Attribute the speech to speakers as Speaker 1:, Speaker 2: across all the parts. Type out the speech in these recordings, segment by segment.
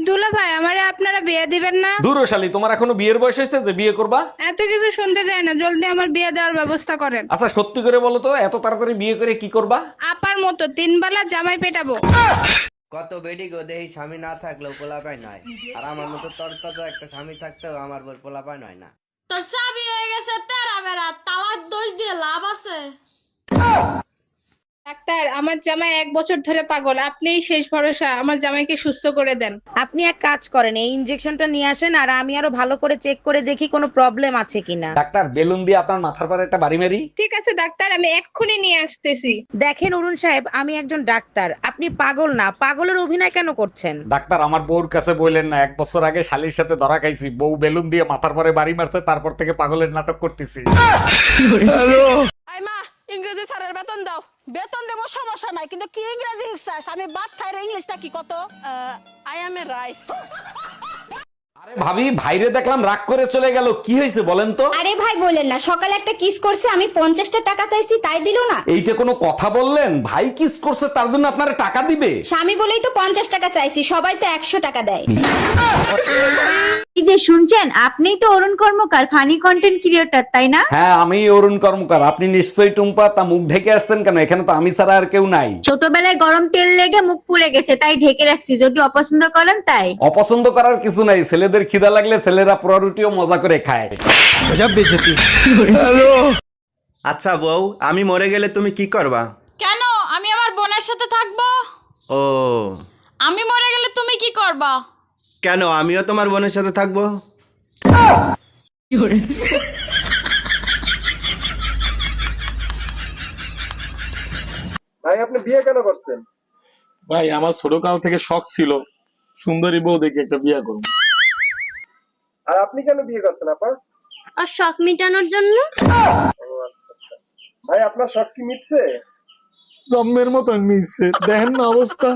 Speaker 1: দুলা ভাই আমারে আপনারা বিয়ে দিবেন না?
Speaker 2: দূর শালী, তোমার এখনো বিয়ের বয়স হয়েছে যে বিয়ে করবা?
Speaker 1: এত কিছু শুনতে চাই না, জলদি আমার বিয়ে দেওয়ার ব্যবস্থা করেন।
Speaker 2: আচ্ছা সত্যি করে বলো তো, এত তাড়াতাড়ি বিয়ে করে কি করবা?
Speaker 1: আপার মতো 3 বেলা জামাই পেটাবো।
Speaker 3: কত বেডি গো দেহি স্বামী না থাকলেও পোলাপাই নয়, আর আমার মতো তরতাজা একটা স্বামী থাকতেও আমার বই পোলাপাই নয় না।
Speaker 4: তোর চাবি হয়ে গেছে তেরা বেড়া, তালাক দোষ দিয়ে লাভ আছে?
Speaker 1: ডাক্তার, আমার জামাই 1 বছর ধরে পাগল, আপনিই শেষ ভরসা, আমার জামাইকে সুস্থ করে দেন।
Speaker 5: আপনি এক কাজ করেন, এই ইনজেকশনটা নিয়ে আসেন আর আমি আরো ভালো করে চেক করে দেখি কোনো প্রবলেম আছে কিনা।
Speaker 2: ডাক্তার, বেলুন দিয়ে আপনার মাথার পরে একটা বাড়ি মারি।
Speaker 1: ঠিক আছে ডাক্তার, আমি এক্ষুনি নিয়ে আসতেছি।
Speaker 5: দেখেন অরুণ সাহেব, আমি একজন ডাক্তার, আপনি পাগল না, পাগলের অভিনয় কেন করছেন?
Speaker 2: ডাক্তার, আমার বউর কাছে বললেন না 1 বছর আগে শালীর সাথে ধরা খাইছি, বউ বেলুন দিয়ে মাথার পরে বাড়ি মারছে, তারপর থেকে পাগলের নাটক করতেছি।
Speaker 6: আই মা, ইংরেজি স্যারের বেতন দাও। বেতন দেবো সমস্যা নাই, কিন্তু কি ইংরেজি শিখছাস? আমি বাদ খাইরে ইংলিশটা কি কত? I am a rice.
Speaker 2: আরে ভাবি, ভাইরে দেখলাম রাগ করে চলে গেল, কি হয়েছে বলেন তো?
Speaker 7: আরে ভাই বলেন না, সকালে একটা কিস করছে, আমি 50টা টাকা চাইছি তাই দিল না।
Speaker 2: এইটা কোনো কথা বললেন? ভাই কিস করছে তার জন্য আপনারা টাকা দিবে?
Speaker 7: স্বামী বলেই তো 50 টাকা চাইছি, সবাই তো 100 টাকা দেয়।
Speaker 8: এই যে শুনছেন, আপনিই তো Arun Karmakar, funny content creator, তাই না?
Speaker 2: হ্যাঁ, আমি অরুণ কর্মকার। আপনি নিশ্চয়ই টুম্পা, তা মুখ ঢেকে আসছেন কেন? এখানে তো আমি ছাড়া আর কেউ নাই।
Speaker 8: ছোটবেলায় গরম তেল লেগে মুখ পুড়ে গেছে, তাই ঢেকে রাখছি, যদি অপছন্দ করেন তাই।
Speaker 2: অপছন্দ করার কিছু নাই, ছেলেদের খিদা লাগলে ছেলেরা পোড়া রুটিও মজা করে খায়।
Speaker 3: আচ্ছা বউ, আমি মরে গেলে তুমি কি করবা?
Speaker 4: কেন, আমি আমার বোনের সাথে থাকবো।
Speaker 3: ও,
Speaker 4: আমি মরে গেলে তুমি কি করবা?
Speaker 3: কেন, আমিও তোমার বোনের সাথে থাকবো।
Speaker 9: ভাই আপনি বিয়ে কেন করছেন?
Speaker 10: ভাই আমার ছোটকাল থেকে শখ ছিল সুন্দরী বউ দেখে একটা বিয়ে করব।
Speaker 9: আর আপনি কেন বিয়ে করছেন আপা?
Speaker 8: আর শখ মিটানোর জন্য।
Speaker 9: ভাই আপনার শখ কি মিটছে?
Speaker 10: জম্মের মতন মিশছে, দেখেন না অবস্থা।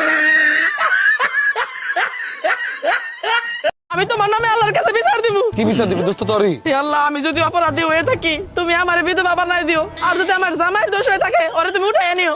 Speaker 6: আমি তোমার নামে আল্লাহর কাছে বিচার দিব।
Speaker 10: কি বিচার দিবি দোস্ত তোরই?
Speaker 6: হে আল্লাহ, আমি যদি অপরাধী হয়ে থাকি তুমি আমার বিধবা বানাই দিও, আর যদি আমার জামাইয়ের দোষ হয়ে থাকে ওরে তুমি উঠাই নিও।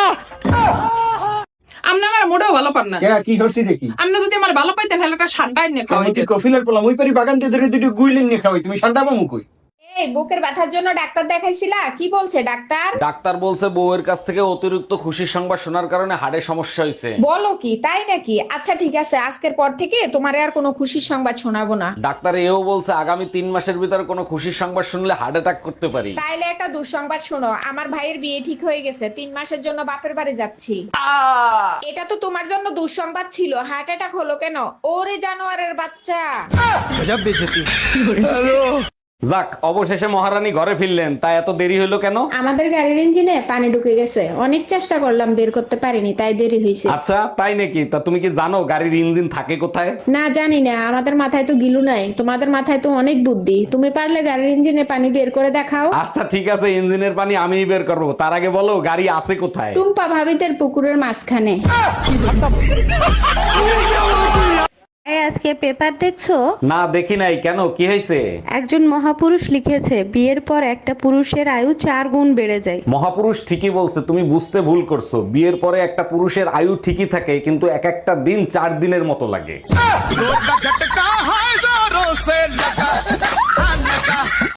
Speaker 11: আপনি আমার মোটেও ভালো পান না।
Speaker 9: কি করছি দেখি?
Speaker 11: আপনি যদি আমার ভালো পাইতেন তাহলে একটা ঠান্ডায় নিয়ে খাওয়াইতেন।
Speaker 9: কফিলের পোলা ওই পারি বাগান দিয়ে ধরে দুটো গুইলিন নিয়ে খাওয়াই, তুমি ঠান্ডা পামু কই?
Speaker 7: এই বুকের ব্যথার জন্য ডাক্তার দেখাইছিলা? কি বলছে ডাক্তার?
Speaker 2: ডাক্তার বলছে বউয়ের কাছ থেকে অতিরিক্ত খুশির সংবাদ শোনার কারণে হাড়ে সমস্যা হয়েছে।
Speaker 7: বলো কি, তাই নাকি? আচ্ছা ঠিক আছে, আজকের পর থেকে তোমারে আর কোনো খুশির সংবাদ শোনাবো না।
Speaker 2: ডাক্তার এও বলছে আগামী 3 মাসের ভিতরে কোনো খুশির সংবাদ শুনলে হার্ট অ্যাটাক করতে পারি।
Speaker 7: তাইলে একটা দুঃসংবাদ শোনো, আমার ভাইয়ের বিয়ে ঠিক হয়ে গেছে, 3 মাসের জন্য বাপের বাড়ি যাচ্ছি। এটা তো তোমার জন্য দুঃসংবাদ ছিল, হার্ট অ্যাটাক হলো কেন? ওরে জানোয়ারের বাচ্চা।
Speaker 2: যাক, অবশেষে মহারানী ঘরে ফিরলেন, তা এত দেরি হলো কেন?
Speaker 7: আমাদের গাড়ির ইঞ্জিনে পানি ঢুকে গেছে, অনেক চেষ্টা করলাম বের করতে পারিনি, তাই দেরি হয়েছে।
Speaker 2: আচ্ছা তাই নাকি? তা তুমি কি জানো গাড়ির ইঞ্জিন থাকে কোথায়?
Speaker 7: না জানি না, আমাদের মাথায় তো গিলু নাই, তোমাদের মাথায় তো অনেক বুদ্ধি, তুমি পারলে গাড়ির ইঞ্জিনে পানি বের করে দেখাও।
Speaker 2: আচ্ছা ঠিক আছে, ইঞ্জিনের পানি আমিই বের করবো, তার আগে বলো গাড়ি আছে কোথায়?
Speaker 7: টুম্পা ভাবিদের পুকুরের মাঝখানে।
Speaker 8: আজকে পেপার দেখছো?
Speaker 2: না দেখি নাই, কেন কি হয়েছে?
Speaker 8: একজন মহাপুরুষ লিখেছে, বিয়ের পর একটা পুরুষের আয়ু 4 গুণ বেড়ে যায়।
Speaker 2: মহাপুরুষ ঠিকই বলছে, তুমি বুঝতে ভুল করছো। বিয়ের পরে একটা পুরুষের আয়ু ঠিকই থাকে, কিন্তু এক একটা দিন 4 দিনের মতো লাগে।